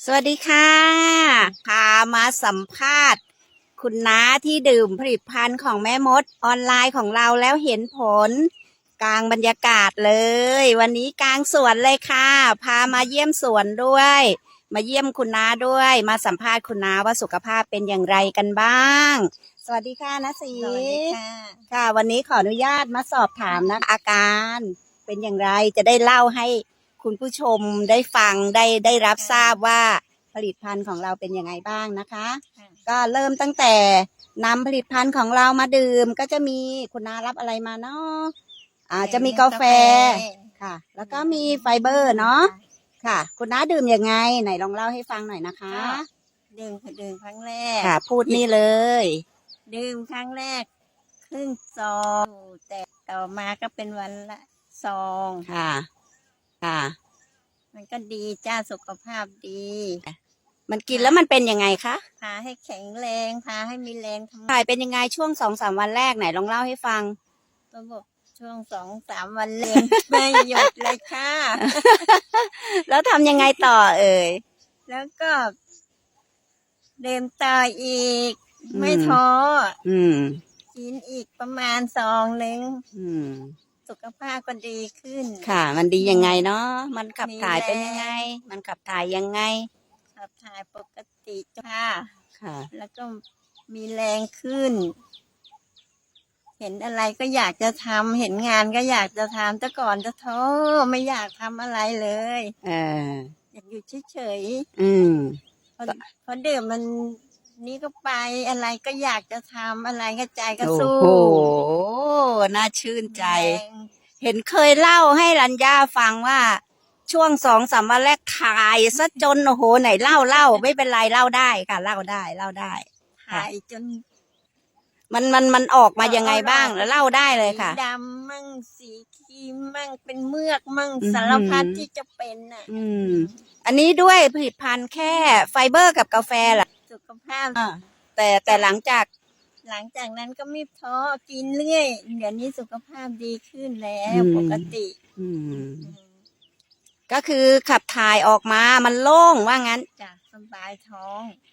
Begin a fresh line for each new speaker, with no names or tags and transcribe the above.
วัสดีค่ะพามาสัมภาษณ์คุณน้าที่ดื่มผลิตภัณฑ์ของแม่มดออนไลน์ของเราแล้วเห็นผลกลางบรรยากาศเลยวันนี้กลางสวนเลยค่ะพามาเยี่ยมสวนด้วยมาเยี่ยมคุณน้าด้วยมาสัมภาษณ์คุณน้าว่าสุขภาพเป็นอย่างไรกันบ้างสวัสดีค่ะน้าศรี
สวัสดีค่ะ
ค่ะวันนี้ขออนุญาตมาสอบถามนะอาการเป็นอย่างไรจะได้เล่าให้คุณผู้ชมได้ฟังได้รับทราบว่าผลิตภัณฑ์ของเราเป็นยังไงบ้างนะคะก็เริ่มตั้งแต่นำผลิตภัณฑ์ของเรามาดื่มก็จะมีคุณน้ารับอะไรมาเนาะจะมีกาแฟค่ะแล้วก็มีไฟเบอร์เนาะค่ะคุณน้าดื่มยังไงไหนลองเล่าให้ฟังหน่อยนะคะ
ดื่มครั้งแรก
ค่ะพูดนี่เลย
ดื่มครั้งแรกครึ่งซองแต่ต่อมาก็เป็นวันละซอง
ค่ะค่ะ
มันก็ดีจ้าสุขภาพดี
มันกินแล้วมันเป็นยังไงคะ
พาให้แข็งแรงพาให้มีแรงทำ
ถ่ายเป็นยังไงช่วง2-3 วันแรกไหนลองเล่าให้ฟัง
ระบบช่วง2-3 วันแรง ไม่หยุดเลยค่ะ
แล้วทำยังไงต่อเอ่ย
แล้วก็เดิมต่ออีกไม่ท้อกินอีกประมาณซองนึงสุขภาพก็ดีขึ้น
ค่ะมันดียังไงเนาะมันขับถ่ายเป็นยังไงมันขับถ่ายยังไง
ขับถ่ายปกติค่ะ
ค่ะ
แล้วก็มีแรงขึ้นเห็นอะไรก็อยากจะทำเห็นงานก็อยากจะทำแต่ก่อนจะท้อไม่อยากทำอะไรเลยอยากอยู่เฉยๆพอดื่มมันนี่ก็ไปอะไรก็อยากจะทำอะไรก็ใจก็สู้
โอ้โหน่าชื่นใจเห็นเคยเล่าให้รัญญาฟังว่าช่วง2-3 วันแรกถ่ายซะจนโอ้โหไหนเล่าไม่เป็นไรเล่าได้ค่ะเล่าได้
ถ่ายจน
มันออกมายังไงบ้างแล้วเล่าได้เลยค่ะ
ดำมั่งสีครีมมั่งเป็นเมือกมั่งสารพัดที่จะเป็นน่ะ
อันนี้ด้วยผลิตภัณฑ์แค่ไฟเบอร์กับกาแฟแหละ
สุขภาพ
แต่หลังจาก
นั้นก็ไม่ท้อกินเรื่อยเดี๋ยวนี้สุขภาพดีขึ้นแล้วปกติ
ก็คือขับถ่ายออกมามันโล่งว่างั้น
จ้ะสบายท้อง